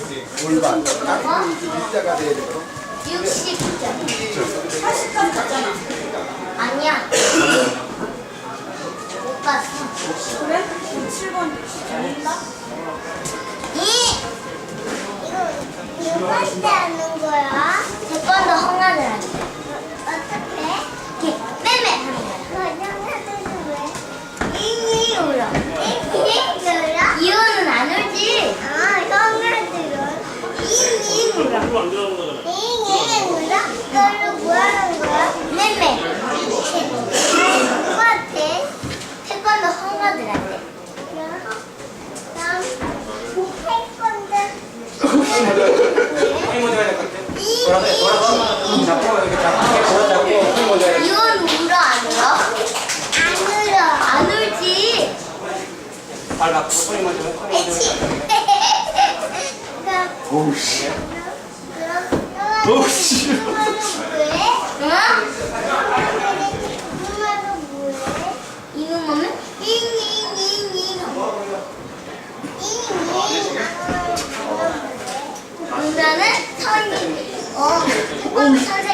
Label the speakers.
Speaker 1: 골반. 딱 일자가 돼야 되거든.
Speaker 2: 60점. 80점 갔잖아. 아니야. 못 봤어.
Speaker 3: 그래? 7번 재밌다?
Speaker 2: 이거 할때 하는 거야? 태권도 헝가를 할 때. 어떻게? 이렇게 빼빼 하는 거야. 형아들은 왜? 잉잉 울어. 잉잉 울어? 이거는 안 울지? 아, 형아들은 잉잉 울어. 잉잉 울어? 그걸로 뭐 하는 거야? 빼빼. 누구한테? 태권도 헝가들 할 때. 난 태권도.
Speaker 1: 힘 먼저 해야 될 것 같아. 돌아서 잡고 이렇게 잡고 힘 먼저 해야 돼.
Speaker 2: 이건 울어 안 울어? 안 울어. 안 울지.
Speaker 1: 발 맞고 손이 먼저 해. 손이 먼저 해. 오우 씨. 오우 씨.
Speaker 2: 왜? 응? 이거 뭐면? 잉잉잉잉. 그러면은 선이 태권도 선생님이